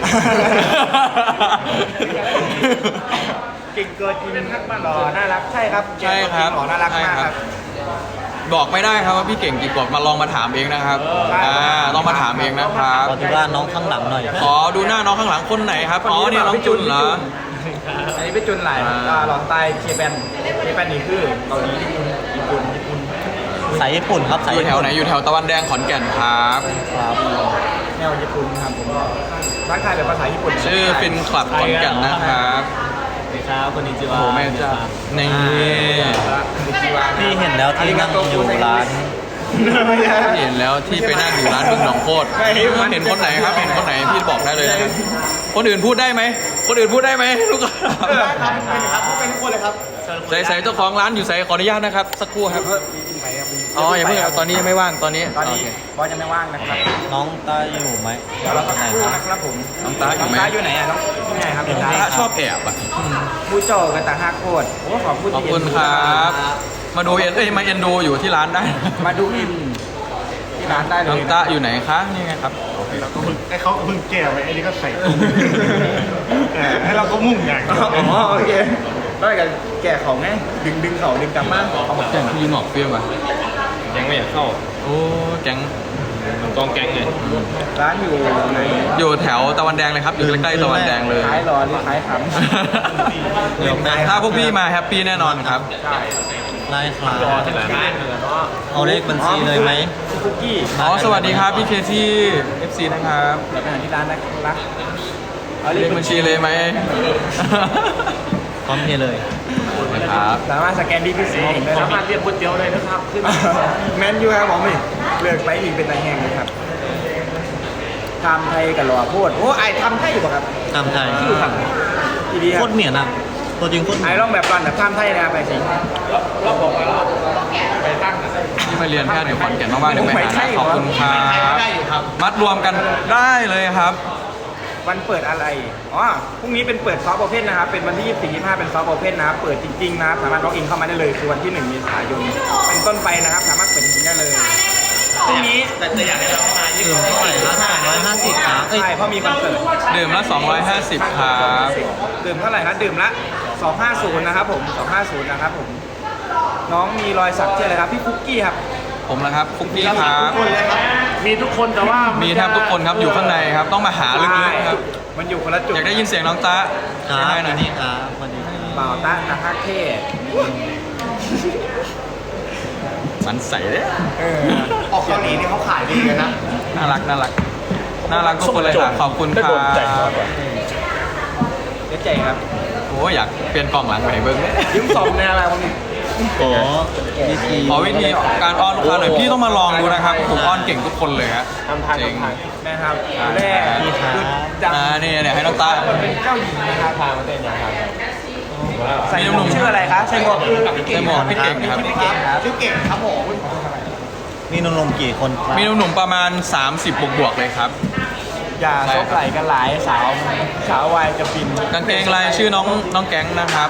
Speaker 3: เก่งเกินจริงหล่อน่ารักใช่ครับ
Speaker 5: ใช่ครับ
Speaker 3: หล่อน่ารักมาก
Speaker 5: ใช่ค
Speaker 3: ค
Speaker 5: รั
Speaker 3: รับ บ
Speaker 5: บอกไม่ได้ครับว่าพี่เก่งกี่ขวบมาลองมาถามเองนะครับอ่าต้องมาถามเองนะครับ
Speaker 6: ขอดูว่าน้องข้างหลังหน่อย
Speaker 5: ขอดูหน้าน้องข้างหลังคนไหนครับอ๋อเนี่ยน้องจุนเหรอ
Speaker 3: อันนี้เป็นจุนไหล
Speaker 5: อ่า
Speaker 3: อ่าหลอนใต้เคแปนเคแปนนี่คือเกาหลีญี่ปุ่นญี่ปุ่น
Speaker 6: สายญี่ปุ่นครับสาย
Speaker 5: อยู่
Speaker 6: ญี่
Speaker 5: แถว
Speaker 6: ปุ่น
Speaker 5: ไหนอยู่แถวตะวันแดงขอนแก่นครับ
Speaker 6: ครับ
Speaker 3: แนวญี่ปุ่นครับผมทักทายเป็นภาษาญี่ปุ่น
Speaker 5: ชื่อฟินคลับขอนแก่นนะครับ
Speaker 6: สวัสดีครับคนนี้จิ
Speaker 5: โอ้
Speaker 6: วา
Speaker 5: โหแม่เจ้านี่
Speaker 6: พี่เห็นแล้วที่นั่งอยู่ร้าน
Speaker 5: เห็นแล้วที่ไปนั่งอยู่ร้านบึงหนองโคตรเห็นคนไหนครับเห็นคนไหนพี่บอกได้เลยนะครับคนอื่นพูดได้ไหมคนอื่นพูดได้ไหมลูกค้า
Speaker 3: ครับเป็นครับเป็นคนเลยครับ
Speaker 5: ใส่ใส่เจ้าของร้านอยู่ใส่ขออนุญาตนะครับ สักครู่ครับอ๋ออย่าเพิ่งเอาตอนนี้ยังไม่ว่างตอนนี้
Speaker 3: ตอนนี้
Speaker 5: โเค
Speaker 3: บอสยังไม่ว่างนะครับ
Speaker 6: น้องตาอยู่ไหม
Speaker 3: เดี๋ยวเราสัก
Speaker 6: ไหน
Speaker 3: ครู่
Speaker 6: ครับ
Speaker 3: นะครับผม
Speaker 5: น้องตาอยู่ไหม
Speaker 3: น้องตาอยู่ไหนอ่ะน้องที่ไหนครับน้อง
Speaker 5: พ
Speaker 3: ตา
Speaker 5: ระชอบแอบอ่ะ
Speaker 3: ผู้โจกันตาฮักโคตรโอ้ขอบคุณ
Speaker 5: ขอบคุณครับ มาดูเอ็นเอ้ยมาเอ็นดูอยู่ที่ร้านได้
Speaker 3: มาดูอินที่ร้านได้เล
Speaker 5: น้อย งตาอยู่ไหนคะนี่ไงครับ
Speaker 2: ไอ้เขาก็เพิ่งแก้ไว้ไอ้นี่ก็ใส่ตุ้มเออให้เราก็มุ่งอย่างเดียว
Speaker 3: อ๋อโอเคแล้วกันแก่เขาไงดึงดึงเขาดึงกลับมาเอาหมด
Speaker 5: แก๊งพี่ยิงออกเปรี้ยวป่ะ
Speaker 7: ยังไม่อยากเข้า
Speaker 5: โอ้แก๊ง
Speaker 7: มันกองแก๊งไง
Speaker 3: ร้านอยู่ใน
Speaker 5: อยู่แถวตะวันแดงเลยครับอยู่ใกล้ๆตะวันแดงเลย
Speaker 3: ขายรอหรือขายขำ
Speaker 6: เดี๋ยวแม่
Speaker 5: ถ้าพวกพี่มาแฮปปี้แน่นอนครับ
Speaker 3: ใช่
Speaker 6: ไล่ครับ
Speaker 7: รอที่หลังบ้านเลยเนาะ
Speaker 6: เอาเลขบัญชีเลยไหม
Speaker 3: คุกกี้
Speaker 5: อ๋อสวัสดีครับพี่เคที่ เอฟ ซี นะครับ
Speaker 3: เดี๋ยวไปหาที่ร้านนะครับเอา
Speaker 5: เรียกบัญชีเลยไหม
Speaker 6: พร้อมเพย์เลย
Speaker 5: นะครับ
Speaker 3: สามารถสแกนดีพีซีได้
Speaker 7: สา
Speaker 3: นะ
Speaker 7: มารถเรียกก๋วยเตี๋ยวเลยนะครับขึ้น
Speaker 3: แมนยูครับผมนี่เลือกไปอีกเป็นตาแห้งเลยครับทำไทยกับหล่อโพดโอ้ไอทำไทยอยู่ป่ะครับ
Speaker 6: ตามไทย
Speaker 3: ที่ดูครับอีดีค
Speaker 6: โค
Speaker 3: รับ
Speaker 6: ตรเหนียนอ่ะตัวจริงโคตรเห
Speaker 3: ไอ
Speaker 6: นียน
Speaker 3: ลองแบบก่อนแบบทำไทยนะไปสิ
Speaker 5: ที่มาเรียนแพทย์อยู่ขอนแก่นมากๆเดี๋ยวไปหานะขอบคุณครับมัดรวมกันได้เลยครับ
Speaker 3: วันเปิดอะไรอ๋อพรุ่งนี้เป็นเปิดซอฟต์โอเพนนะครับเป็นวันที่ยี่สิบสี่ ยี่สิบห้าเป็นซอฟต์โอเพนนะครับเปิดจริงๆนะครับสามารถล็อกอินเข้ามาได้เลยคือวันที่หนึ่งเมษายนเป็นต้นไปนะครับสามารถเปิดจริงๆได้เลยพรุ่งนี้
Speaker 7: แต่จะอยากให้เรามา
Speaker 6: ดื่มเท่าไหร่ละสองร้อยห้าสิบครับเอ้ย
Speaker 3: ใช่เพราะมีคอนเสิร์ต
Speaker 5: ดื่มละสองร้อยห้าสิบครับ
Speaker 3: ดื่มเท่าไหร่ครับดื่มละสองห้าศูนย์นะครับผมสองห้าศูนย์นะครับผมน้องมีรอยสักชื่ออะไรครับพี่คุกกี้ครับ
Speaker 5: ผมนะครับฟุกกี้ครับ
Speaker 7: มีทุกคนแต่ว่า
Speaker 5: มีแทบทุกคนครับอยู่ข้างในครับ ต้องมาหาลึกๆครับ
Speaker 3: มันอยู่คนละจุด
Speaker 5: อยากได้ยินเสียงน้องตา
Speaker 6: ครับ
Speaker 5: ให้หน่
Speaker 6: วั
Speaker 5: อย
Speaker 6: นนี้ครับวันนี้
Speaker 3: เปล่าตาตาฮักเท่
Speaker 5: สันใสเลย
Speaker 3: เออออกเกาหลีนี่เขาขายดีกันนะ
Speaker 5: น่ารักน่ารักน่ารักทุกคนเลยค่ะขอบคุณครับ
Speaker 3: เดี๋ยวใจครับ
Speaker 5: โอ้ยอยากเปลี่ยนกล่องหลังไปเบิ้งเนี่ย
Speaker 3: ยืมสมในอะไรวะนี่
Speaker 6: ขอวิธี
Speaker 5: ขอวิธีการอ้อนลูกค้าหน่อยพี่ต้องมาลองดูนะครับผมอ้อนเก่งทุกคนเลยฮะ
Speaker 3: ทำทาง
Speaker 5: จริง
Speaker 3: ทำทางนะครับแรก
Speaker 6: พี่ครับ
Speaker 3: จัง
Speaker 5: อ่านี่เนี่ยให้น้องตา
Speaker 3: มันเป็นเจ้าหญิงนะครับพามาเต้นอย่างครับใส่หมวกชื่ออะไรคะใส่หมวกคือ
Speaker 5: ใส่หมวกพี่เก่งครับ
Speaker 3: พี่เก่งครับชื่อเก่งครับผม
Speaker 6: มีหนุ่มๆกี่คนครับ
Speaker 5: มีหนุ่มๆประมาณ สามสิบ บวกๆเลยครับ
Speaker 3: อย่าซบไหลกันหลายสาวสาววายจะบิน
Speaker 5: กางเกงลายชื่อน้องน้องแก๊งนะครับ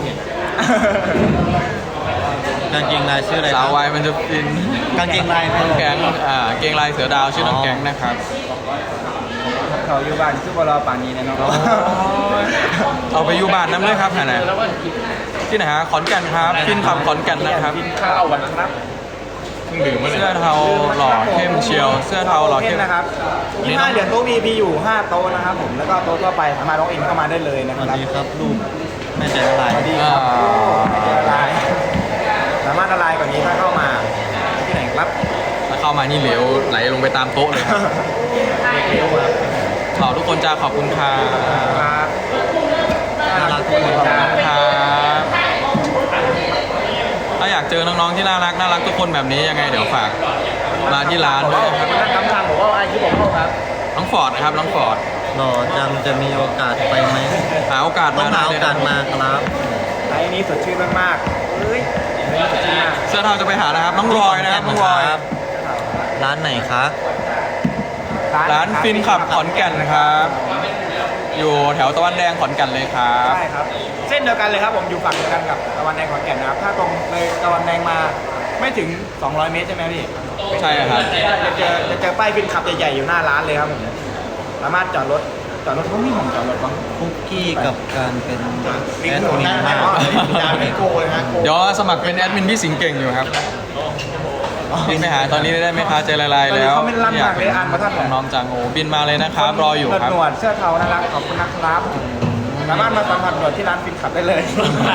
Speaker 6: กางเกงลายชื่ออะไรค
Speaker 5: สา
Speaker 6: รั
Speaker 5: ว
Speaker 6: บ
Speaker 5: วายมันจะฟิน
Speaker 6: กางเกงลายคือ
Speaker 5: แก๊งอ่าเกงลายเสือดาวชื่อน้องแก๊งนะครับ
Speaker 3: เขาอยู่บ้านคือบรอป่านนี้นะน้อง
Speaker 5: เอาไปอยู่บ้านน้ำเลยครับไหนๆที่ไหนฮะขอนแก่นครับฟินขับขอนแก่นนะครับ
Speaker 3: บินข้าววันครับ
Speaker 5: เสื้อเทาหล่อเข้มเชียว เสื้อเทาหล่อเข้ม
Speaker 3: นะครับยี่ห้าเหรียญโต๊ะ วี พี อยู่ห้าโต๊ะนะครับผมแล้วก็โต๊ะทั่วไปสามารถล็อกอินเข้ามาได้เลยนะ
Speaker 6: ส
Speaker 3: ค
Speaker 6: วัส
Speaker 3: รับ
Speaker 6: ดีครับลูกแม่ใจละลาย
Speaker 3: สวัสดีครับละลายสามารถละลายกว่านี้ถ้าเข้ามาที่ไหนครับ
Speaker 5: ถ้าเข้ามานี่เหลวไหลลงไปตามโต๊ะเลยครับ
Speaker 3: เร็วครับ
Speaker 5: ขอบทุกคนจ้าขอบคุณครับ
Speaker 3: ครับ
Speaker 6: น่ารักทุกคน
Speaker 3: ค
Speaker 6: ค
Speaker 3: รั
Speaker 6: รั
Speaker 3: บบ
Speaker 5: ครับถ้าอยากเจอน้องๆที่น่ารักน่ารักทุกคนแบบนี้ยังไงเดี๋ยวฝากมาที่ร้านด้วยนะครับ
Speaker 3: นักกำทางบอกว่าไอ้ที่ผมเข้าครับ
Speaker 5: น้องฟอร์ดนะครับน้องฟอร์ด
Speaker 6: หล่อจังจะมีโอกาสไปไหม
Speaker 5: หาโอกาส
Speaker 6: ต้อ
Speaker 5: มาง
Speaker 6: หา
Speaker 5: ได้
Speaker 6: โอ
Speaker 5: เลย
Speaker 6: กาส
Speaker 5: นะ
Speaker 6: มาครับ
Speaker 3: ไอ้นี้สดชื่นมากๆเฮ้ยไอ้นี้สดชื่นมาก
Speaker 5: เสื้อเทาจะไปหานะครับน้องรอยนะครับน้องรอย
Speaker 6: ร้านไหนคะ
Speaker 5: ร้านฟินขับขอนแก่นนะครับ อยู่แถวตะวันแดงขอนแก่นเลยครับ
Speaker 3: ใช่ครับ เส้นเดียวกันเลยครับผมอยู่ฝั่งเดียวกันกับตะวันแดงขอนแก่นนะครับถ้าตรงเลยตะวันแดงมาไม่ถึงสองร้อยเมตรใช่ไหมพี่
Speaker 5: ใช่ครับ
Speaker 3: จะเจอจะเจอป้ายฟินขับใหญ่ๆอยู่หน้าร้านเลยครับผมสามารถจอดรถจอดรถเขาไม่หมองจอดรถบ้าง
Speaker 6: คุกกี้กับการเป็น
Speaker 3: ลิ
Speaker 6: แอง ด
Speaker 3: ก์โห
Speaker 6: มิน
Speaker 3: น้
Speaker 6: มาก
Speaker 3: จานไม่โกยนะโกย
Speaker 5: เดี๋ยวสมัครเป็นแอดมินพี่สิงห์เก่งอยู่ครับ
Speaker 3: เ
Speaker 5: บินไปหาตอนนี้ได้ไหมคะใจละลายแล้ว
Speaker 3: เขาไม่ลั่นมากเลยอ่านมาท่าน
Speaker 5: น้องๆจังโอบินมาเลยนะครับ รออยู่ครับ
Speaker 3: หนวดเสื้อเทานะครับขอบคุณนะครับสามารถมาสัมผัสหนวดที่ร้านฟินขับได้เลย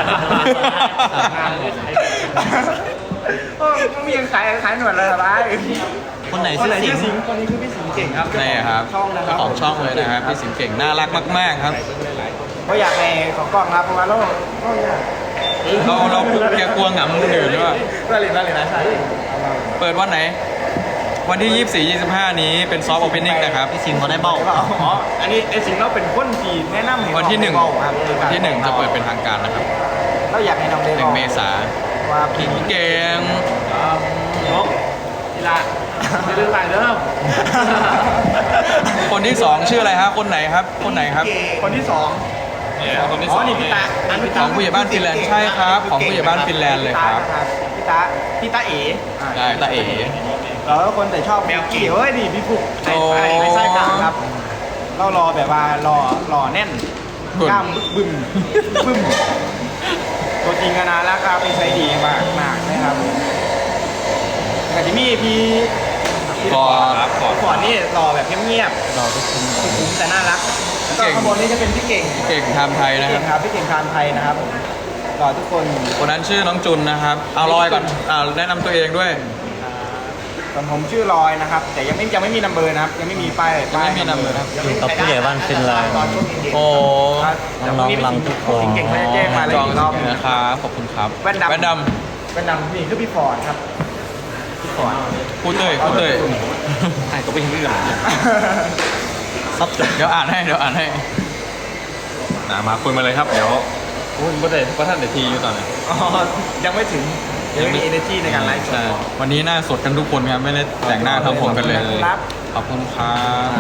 Speaker 3: โอ้ไม่มีขายขายหนวดเลยเหรอบ้า
Speaker 6: คนไหน
Speaker 3: คน
Speaker 6: ชื่อ
Speaker 3: ไหน
Speaker 6: สิ
Speaker 3: ชื่
Speaker 6: ง
Speaker 3: อสิงห์คนนี้คือพี่สิงห์เก่งครับ
Speaker 5: นี่ครับ
Speaker 3: ช่องนะครั
Speaker 5: เจ้าของช่องเลยนะครับพี่สิงห์เก่งน่ารักมากๆครับ
Speaker 3: ก็อยากในของกล้องครับเพราะว่าเราเราอยาก
Speaker 5: เราเราแกกลัวหงำคนอื่นหรือเปล่า
Speaker 3: ก็เลยนั่นเลยนะใช่
Speaker 5: เปิดวันไหน วันที่ ยี่สิบสี่ ยี่สิบห้า นี้เป็นซอฟต์โอเพนนิ่งนะครับ
Speaker 6: พี่สิงเขาได้เบ้า
Speaker 3: อ๋ออันนี้ไอ้สิงห์เราเป็นคนที่แนะนำให้
Speaker 5: วันที่หนึ่ง
Speaker 3: น้อครับ
Speaker 5: วันที่หนึ่งจะเปิดเป็นทางการนะครับ
Speaker 3: เราอยากให้น้องได้
Speaker 5: หนึ่งเมษา
Speaker 3: ว่า
Speaker 5: พี่เก่ง
Speaker 7: นกทีละไม่ลืมไปเด้อ
Speaker 5: คนที่สองชื่ออะไรฮะคนไหนครับ คนไหนครับ
Speaker 3: คนที่สอง
Speaker 5: เนี่ยคนที่
Speaker 3: อ๋
Speaker 5: ส
Speaker 3: อ
Speaker 5: อง
Speaker 3: นี่พี่ตาอันพี่
Speaker 5: ข
Speaker 3: ตา
Speaker 5: องผู้ใหญ่บ้านฟินแลนด์ใช่ครับของผู้ใหญ่บ้านฟินแลนด์เลยครับ
Speaker 3: พี่ตาพี่ตาเอ๋
Speaker 5: ใช่ตาเอ๋
Speaker 3: แล้วคนแต่ชอบแมวกี่เฮ้ยนี่พี่ฟุกไอ้ไอ้ไอ้ไส้กลางครับ เรารอแบบว่ารอรอแน่นกล้ามบึ้มบึ้มตัวจริงกันนะแล้วครับเป็นไซดีมากมากนะครับแต่ที่มีพี่พี่
Speaker 5: ก่อ
Speaker 3: ครับก่อนนี่รอแบบเงียบ
Speaker 6: รอทุกคน
Speaker 3: ๆคุ้มแต่น่ารักแล้วก็ข้างบนนี่จะเป็นพี่เก่ง
Speaker 5: เก่งทำไทยนะค
Speaker 3: เก่
Speaker 5: รับ
Speaker 3: งครับพี่เก่งทานไทยนะครับผมรอทุกคน
Speaker 5: คนนั้นชื่อน้องจุนนะครับเอาลอยก่อนอ่าแนะนำตัวเองด้วย
Speaker 3: ส่วนผมชื่อลอยนะครับ แต่ยังไม่ยังไม่มีนัมเบอร์นะครับ ยังไม่มีป้ายป้าย
Speaker 5: ยังไม่มี number ครับ
Speaker 6: อยู่กับผู้ใหญ่บ้านฟินแลนด์
Speaker 3: ตอนช่วงเย็นๆ
Speaker 5: โอ้
Speaker 3: ครับ
Speaker 6: น้องๆรังทุกคน
Speaker 3: เก่งๆเขาจะแจ้งมาเลย
Speaker 5: จอง
Speaker 3: อีกรอบหนึง
Speaker 5: นะครับขอบคุณครับ
Speaker 3: แว่นดำ
Speaker 5: แว่นด
Speaker 3: เป็นดำนี่คือพี่ฟอร์ดครับพี่ฟอร์ด
Speaker 5: ำพูดเต้ยพูดเต้ยไอ้ก็เป็นเรื่อง
Speaker 6: ซับจบ
Speaker 5: เดี๋ยวอ่านให้เดี๋ยวอ่านให้นะมาคุยมาเลยครับเดี๋ยวคุณประเด็นพระท่านเดทีอยู่ตอนนี้
Speaker 3: อ๋อยังไม่ถึงยังไม่มี energy ในการไลฟ์สด
Speaker 5: ใช่วันนี้หน้าสดกันทุกคนครับไม่ได้แต่งหน้าทำผมกันเลย
Speaker 3: ครับ
Speaker 5: ขอบคุณครับ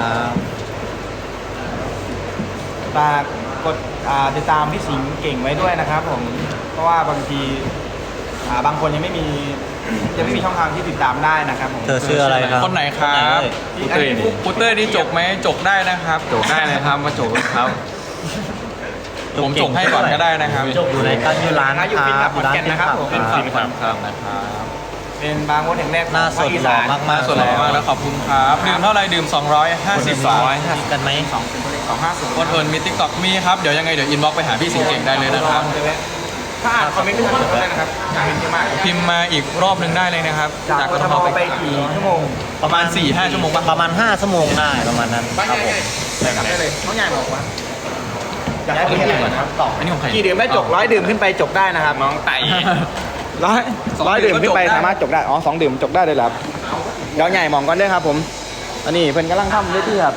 Speaker 3: ฝากกดอ่าติดตามพี่สิงห์เก่งไว้ด้วยนะครับผม เพราะว่าบางทีอ่าบางคนยังไม่มียังไม่มีช่องทางที่ติดตามได้นะครับผม
Speaker 6: เธอชื่ออะไรครับ
Speaker 5: คนไหนครับ
Speaker 3: พูเต้ยนี่
Speaker 5: พูเต้ยนี่จกไหมจกได้นะครับจกได้เลยครับมาจกครับ ผมจกให้ก่อนก็ได้นะครับ
Speaker 6: อยู่ในกันอยู่ร้าน
Speaker 3: อยู่ฟิน
Speaker 6: ค
Speaker 3: ค
Speaker 6: รั
Speaker 3: รั
Speaker 6: บบ อยู่ร้าน
Speaker 3: ขอนแก่น
Speaker 6: ฟิน
Speaker 3: นะครับ
Speaker 6: ขับ
Speaker 3: ผม
Speaker 5: เป็น
Speaker 6: ค
Speaker 5: ฟิ
Speaker 6: รับ
Speaker 5: นครับครับนะครับ
Speaker 3: เป็นบางมดแห่งแรก
Speaker 6: หน้าสดหล่อมาก
Speaker 5: สดหล่อมากแล้วขอบคุณครับดื่มเท่าไรดื่ม สองร้อยห้าสิบบาท
Speaker 6: มีกันไหม
Speaker 3: สองเป็นตัวเลขสองห้าศูนย์
Speaker 5: คนเอิญมีติ๊กต็อกมีครับ เดี๋ยวยังไงเดี๋ยวอินบ็อกไปหาพี่สิงห์เก่งได้เลยนะครับ
Speaker 3: ถ้าอ่านคอมเมนต์ไม่ทันก็ได้นะครับอยากเห็นเยอะมาก
Speaker 5: พิมพ์มาอีกรอบหนึ่งได้เลยนะครับ
Speaker 3: จากกทมไปกี่ชั่วโมง
Speaker 5: ประมาณ สี่ห้า ชั่วโมงป่ะ
Speaker 6: ประมาณห้าชั่วโมงได้ประมาณนั้น
Speaker 3: บ้าน
Speaker 6: ครับ
Speaker 3: ให
Speaker 6: ผ
Speaker 3: ญ่
Speaker 6: ม
Speaker 3: ๆไปกลับได้เลยน้องใหญ่บอกว่าอยากให้พี่ก่อนครับตอบ
Speaker 5: อันนี้ของใคร
Speaker 3: กี่ดื่มได้จบร้อยดื่มขึ้นไปจบได้นะครับ
Speaker 5: น้องไต่
Speaker 3: ร้อย
Speaker 5: สอง
Speaker 3: ร้อย
Speaker 5: ดื่
Speaker 3: ดื่
Speaker 5: ม
Speaker 3: ม
Speaker 5: ก็
Speaker 3: ขึ้นไป
Speaker 5: จบได้
Speaker 3: สามารถจบได้อ๋อสองดื่มจบได้เลยเหรอครับเดี๋ยวใหญ่มองก่อนด้วยครับผมอันนี้เพิ่นกำลังทำด้วยที่ครับ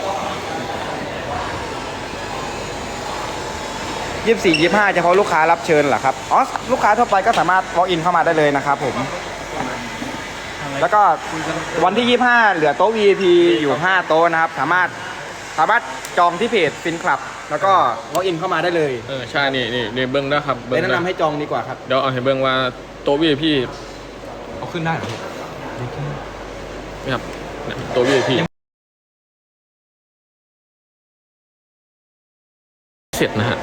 Speaker 3: ยี่สิบสี่ยี่สิบห้าเฉพาะลูกค้ารับเชิญเหรอครับอ๋อลูกค้าทั่วไปก็สามารถ walk in เข้ามาได้เลยนะครับผมแล้วก็วันที่ยี่สิบห้าเหลือโต๊ะ วี ไอ พี อยู่ห้าโต๊ะนะครับสามารถสามารถจองที่เพจฟินคลับแล้วก็ walk in เข้ามาได้เลย
Speaker 2: เออใช่นี่นี่นี่เบิ้งนะครับ
Speaker 3: ไป
Speaker 2: เบิ้ง
Speaker 3: แนะ
Speaker 2: นะ
Speaker 3: นำให้จองดีกว่าครับ
Speaker 2: เดี๋ยวเอาให้เบิ้งว่าโต๊ะวีไอพี
Speaker 5: เอาขึ้นได้เหรอ
Speaker 2: นี่ครับเนี่ยโต๊ะวีไอพีเสร็จนะฮะ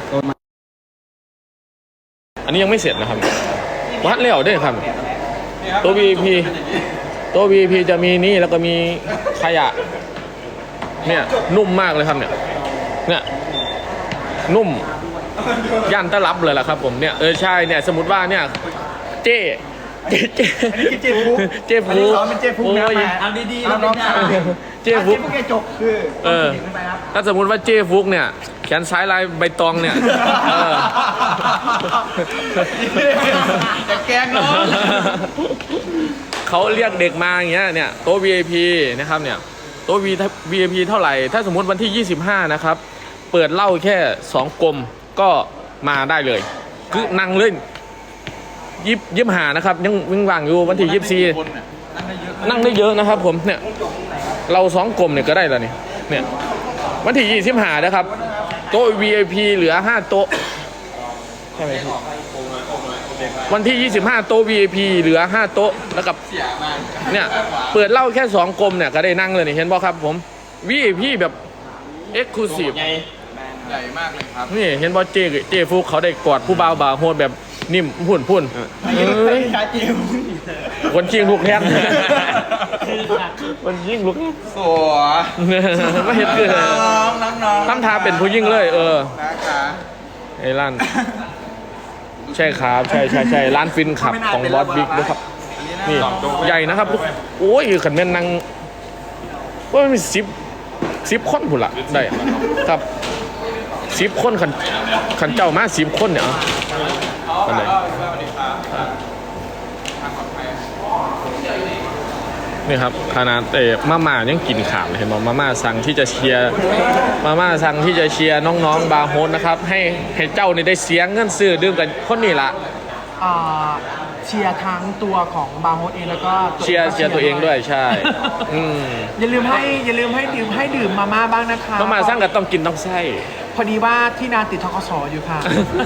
Speaker 2: อันนี้ยังไม่เสร็จนะครับวัดแล้วด้วยครับโต๊ะ วี ไอ พี โต๊ะ วี ไอ พี จะมีนี่แล้วก็มีขยะเนี่ยนุ่มมากเลยครับเนี่ยเนี่ยนุ่มย่านตะลับเลยล่ะครับผมเนี่ยเออใช่เนี่ยสมมติว่าเนี่ยเจ๊เจ๊เจ๊
Speaker 3: อันนี้คือเจ๊ฟุก
Speaker 2: เจ๊ฟุ
Speaker 3: อันนี้
Speaker 2: ก
Speaker 3: ซ้อมเป็นเจ๊ฟุกนะ
Speaker 2: โอ้ย
Speaker 3: เอาดีๆเอาน้องชาย
Speaker 2: เจ๊ฟุก
Speaker 3: เจ๊ฟุกแกจบคือ
Speaker 2: เออ
Speaker 3: ขึ้นไปครับ
Speaker 2: ถ้าสมมติว่าเจ๊ฟุกเนี่ยแขนซ้ายลายใบตองเนี่ยเออ
Speaker 3: จะแกล้งน้อง
Speaker 2: เขาเรียกเด็กมาอย่างเงี้ยเนี่ยโต๊ะ วี ไอ พี นะครับเนี่ยโต๊ะ วี ไอ พี เท่าไหร่ถ้าสมมติวันที่ยี่สิบห้านะครับเปิดเหล้าแค่สองกลมก็มาได้เลยคือนั่งเล่นยิบยิบหานะครับยังวิ่งว่างอยู่วันที่ยี่สิบสี่นั่งได้เยอะนะครับผมเนี่ยเราสองกลมเนี่ยก็ได้แล้วนี่เนี่ยวันที่ยี่สิบห้านะครับโต๊ะ วี ไอ พี เหลือห้าโต๊ะใช่ไหมพี่วันที่ยี่สิบห้าโต๊ะ วี ไอ พี เหลือห้าโต๊ะแล้วกับเนี่ยเปิดเหล้าแค่สองกลมเนี่ยก็ได้นั่งเลยนี่เห็นบ่ครับผม วี ไอ พี แบบเอ็กซ์คลูซีฟ
Speaker 5: ใหญ่มากเลยครับ
Speaker 2: นี่เห็นบ่เจเจฟุกเขาได้กอดผู้บ่าวบ่าวโหดแบบนิ่มพุ่นพุ่นเอ้ยคนชิงลูกแทนคนยิงลูก
Speaker 5: สวย
Speaker 2: ไม่เห็นคือ
Speaker 5: น้องน้องน้อง
Speaker 2: ทำทาเป็นผู้ยิงเลย เออ
Speaker 5: นะคะ
Speaker 2: ไอ้ร้านใช่ครับใช่ใช่ใช่ร้านฟินขับของบอสบิ๊กด้วยครับนี่ใหญ่นะครับทุกโอ้ยขันแม่นนางว่ามันมีสิบสิบคนผุนละได้ครับสิบคนขันขันเจ้ามาสิบคนเนี่ยเอาอันไหนนี่ครับขนาดเอ๋มาม่ายังกินขาดเลยเห็นไหมมาม่าสั่งที่จะเชียร์มาม่าสั่งที่จะเชียร์น้องๆบาร์โฮสนะครับให้ให้เจ้านี่ได้เสียงเงินซื้อดื่มกันคนนี้ละ
Speaker 7: อ่าเชียร์ทั้งตัวของบาร์โฮสเองแล้วก็
Speaker 2: เชียร์เชียร์ตัวเองด้วยใช่อืม
Speaker 7: อย่าลืมให้อย่าลืมให้ดื่มให้ดื่มมาม่าบ้างนะคะ
Speaker 2: ต้องมาสร้างกันต้องกินต้องไส้
Speaker 7: พอดีว่าที่นาติดทกสอยู่ค่ะ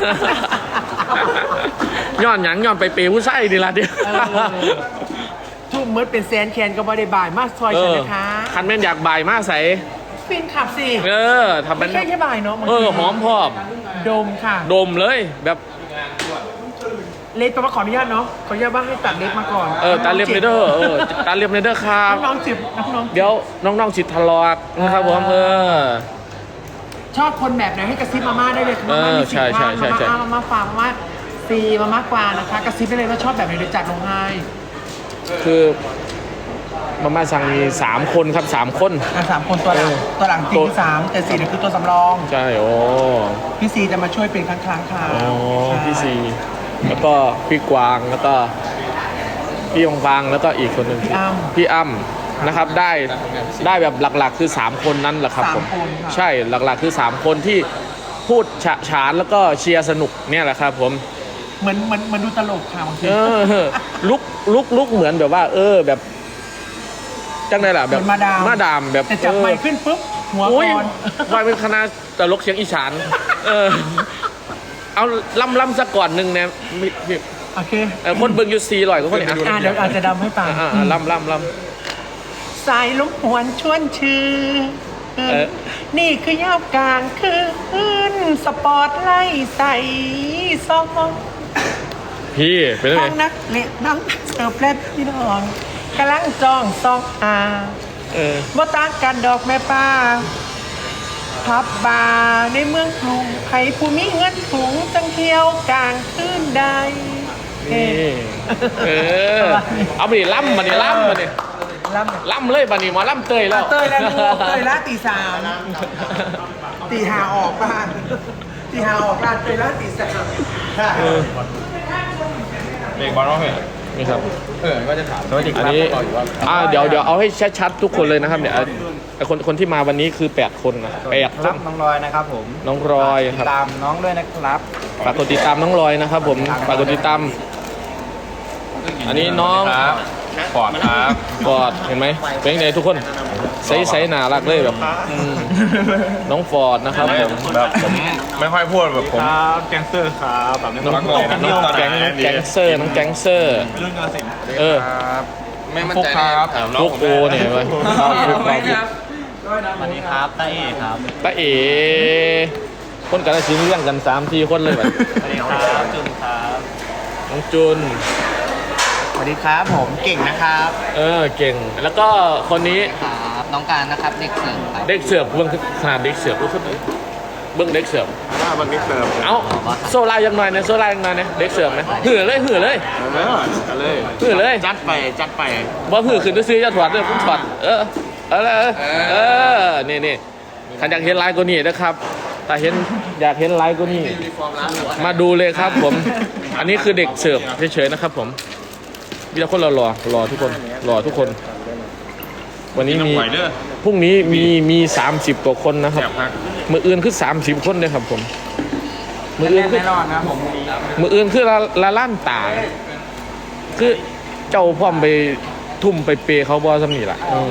Speaker 2: ย้อนหยังย้อนไปเปย์ผู้ไส้ดีละเดียว
Speaker 7: เออ ทุ่มมืดเป็นแสนแคนก็บ่ได้บ่ายมากซอย
Speaker 2: เอ
Speaker 7: ฉัน
Speaker 2: อ
Speaker 7: นะคะ
Speaker 2: คันแม่นอยากบ่ายมากใส
Speaker 7: ฟินขับสิ
Speaker 2: เออทำเป็
Speaker 7: ไม่
Speaker 2: น
Speaker 7: ใช่แค่บ่ายเนาะบาง
Speaker 2: เอ
Speaker 7: ที
Speaker 2: อหอมพร้อม
Speaker 7: ดมค่ะ
Speaker 2: ดมเลยแบบ
Speaker 7: เล็กแปลว่าขออนุญาตเนาะขออนุญาตว่าให้ตัดเล็กมาก่อน
Speaker 2: เออตาเลียมเนเดอร์เออตาเลียมเนเดอร์ครับ
Speaker 7: น้องๆจิบน้องๆ
Speaker 2: เดี๋ยวน้องๆสิทธิ์ทะเลาะนะครับผมเออ
Speaker 7: ชอบคนแบบไหนให้กระซิบมาม่าได้เลย
Speaker 2: เออ
Speaker 7: มาม่ามีสิบ
Speaker 2: ใช่ใช่
Speaker 7: ว่า
Speaker 2: ใช่ใช่
Speaker 7: มาม่ามาม่าฟาร์มมาม่าซีมาม่ากวางนะคะ กระซิบได้เลยว่าชอบแบบไหนเดี๋ยวจัดลงให้
Speaker 2: คือมาม่าสั่งมีสามคนครับสามคน
Speaker 7: อ่ะสามคนตัวหลัง
Speaker 2: เออ
Speaker 7: ตัวหลังจริ
Speaker 2: ตั
Speaker 7: ง
Speaker 2: ว
Speaker 7: ที่สามแต่สี่เนี่ยคือตัวสำรอง
Speaker 2: ใช่โอ้
Speaker 7: พี่ซีจะมาช่วยเป็นครั้งครั้งๆค่ะ
Speaker 2: อ๋อ
Speaker 7: ใช่
Speaker 2: พี่ซีแล้วก็พี่กวางแล้วก็พี่ยงฟางแล้วก็อีกคนหนึ่ง
Speaker 7: พี่อ้ำ
Speaker 2: พี่อ้ำนะครับได้ได้แบบหลักๆ คือ 3 คนนั้นแหละครับ
Speaker 7: สาม
Speaker 2: ผม
Speaker 7: คนค่ะ
Speaker 2: ใช่หลักๆคือ 3 คนที่พูดฉะฉานแล้วก็เชียร์สนุกเนี่ยแหละครับผม
Speaker 7: เหมือนเหมือนเหมือนดูตลกค่ะบางที
Speaker 2: เออลุกลุกลุกเหมือนแบบว่า เออแบบจังไดล่ะ
Speaker 7: เห
Speaker 2: แบ
Speaker 7: มื
Speaker 2: บ
Speaker 7: อนมาดาม
Speaker 2: มาดามแบบ
Speaker 7: แต่จับ
Speaker 2: เออ
Speaker 7: ไมค์ขึ้นปุ๊บหัว
Speaker 2: โอ้ย
Speaker 7: ก่อน
Speaker 2: วายเป็นคณะตลกเสียงอีสานเออเอาล่ำล่ำสักก่อนหนึ่งเนี่ยมีมี
Speaker 7: โอเค
Speaker 2: เอ่อคนเบิ่งอยู่สี่ร้อยกว่าคนเนี่ย
Speaker 7: อ่ะเดี๋ยวอาจจะดำให้ฟัง
Speaker 2: อ่าอ่าล่ำล่ำล่
Speaker 7: สายลุกหวนชวนชื่อ
Speaker 2: เออ
Speaker 7: นี่คือยามกลางคืนสปอร์ตไล่ใส่ซอง
Speaker 2: ำพี่เป็นไง
Speaker 7: น้องนักเละน้องนักเสิร์ฟและพี่น้องกำลังจองซองอา
Speaker 2: เออ
Speaker 7: ว่าต่างกันดอกแม่ป้าพับบาร์ในเมืองกรุงใครผู้มีเงินสูงจังเที่ยวกลางคืนใดเอ๊
Speaker 2: นี่
Speaker 7: ะ
Speaker 2: เออเอาไปดิล่ำมาดิล่ำมาดิ
Speaker 7: ล่ำ
Speaker 2: ล่ำเลยบันนี้หมาล่ำเตยแล้ว
Speaker 7: เตยแล้วลูกเตยละตีสามตีหาออกบ้านตีหาออกบ้านเตยละตีสาม
Speaker 2: เออ
Speaker 5: เบรกบอลร้องเพลง
Speaker 2: นี่ครับ
Speaker 5: เออก็จะถามสวัสดีค
Speaker 2: อัน
Speaker 5: รับ
Speaker 2: นี้
Speaker 5: พวกเราอยู่ว่า
Speaker 2: อ่าเดี๋ยวเดี๋ยวเอาให้ชัดๆทุกคนเลยนะครับเนี่ยไอคนคนที่มาวันนี้คือแปดคนนะแปด
Speaker 3: รับน้องรอยนะครับผม
Speaker 2: น้องรอยครับ
Speaker 3: ตามน้องด้วยนะครับ
Speaker 2: ฝากกดติดตามน้องรอยนะครับผมฝากกดติดตามอันนี้น้อง
Speaker 5: ครับปอดครับ
Speaker 2: กอดเห็นไหมเป็นไงทุกคนใสใสหนารักเลยแบบอืมน้องฟอร์ดนะครับผม
Speaker 5: แบบผมไม่ค่อยพูดแบบผม
Speaker 3: ครับแกงเซอร์ครับแบบนี้
Speaker 2: น้อง
Speaker 5: รักโลก
Speaker 2: น้องแก๊งน้องแก๊งเซอร์น้องแก๊งเซอร์
Speaker 3: เรื่องกระสิน
Speaker 2: เออ
Speaker 3: ครับ
Speaker 5: ไม่มั่นใจครับ
Speaker 2: พวกโอเนี่ยไว้พวกเราพวก
Speaker 6: สวัสดีครับตาเอครับ
Speaker 2: ตาเอ๋คนกันชิ้นเรื่องกันสามทีคนเลยแบบ
Speaker 6: สวัสดีครับจุนครับ
Speaker 2: น้องจุน
Speaker 3: สวัสดีครับผมเก่งนะครับ
Speaker 2: เออเก่ง แล้วก็คนนี้
Speaker 6: ครับน้องการนะครับเด็กเสิร์ฟครับ
Speaker 2: เด็กเสือบเบื้องขนาดเด็กเสือบรู้สึกเบื้องเด็กเสือบ
Speaker 3: ว่าวันนี้เสิร์ฟ
Speaker 2: เอ้าโซลายังหน่อยเนี่ยโซลายังหน่อยเนี่ยเด็กเสือบไหมหือเลยหือเลย
Speaker 3: เออเลย
Speaker 2: หือเลย
Speaker 3: จัดไปจัดไป
Speaker 2: บ่หือขึ้นซื้อจะถอดเลยผมถอดเออเออเออเออนี่นี่ขันอยากเห็นไลน์ก็นี่นะครับแต่เห็นอยากเห็นไลน์ก็นี่มาดูเลยครับผม อันนี้คือเด็กเสิร์ฟเฉยๆนะครับผมมีแต่คนรอรอรอทุกคนรอทุกคน วันนี้มีพรุ่งนี้มีมีสามสิบกว่าคนนะครับมืออื่นคือสามสิบคนเลยครับผมมืออื่นคือ
Speaker 3: แน่นอนนะผม
Speaker 2: มืออื่นคือละละล้านตา คือเจ้าพร้อมไปทุ่มไปเปย์เขาบอสำนีล่ะอืม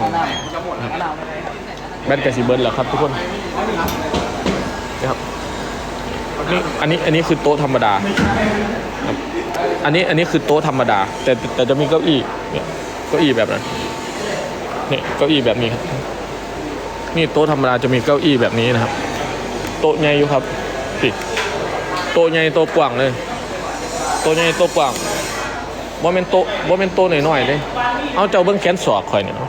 Speaker 2: แบนกาซิเบิร์นเหรอครับทุกคนนะครับนี่อันนี้อันนี้คือโต๊ะธรรมดาครับอันนี้อันนี้คือโต๊ะธรรมดา แต่แต่จะมีเก้าอี้เนี่ยเก้าอี้แบบนั้นนี่เก้าอี้แบบนี้ครับนี่โต๊ะธรรมดาจะมีเก้าอี้แบบนี้นะครับ โต๊ะใหญ่อยู่ครับปิดโต๊ะใหญ่โต๊ะกว้างเลย โตัวใหญ่ตัวกว้างบ่แม่นโตบ่แม่นโตน้อยๆเด้เอาเจ้าเบิ่งแขนศอกข่อยเนี่ย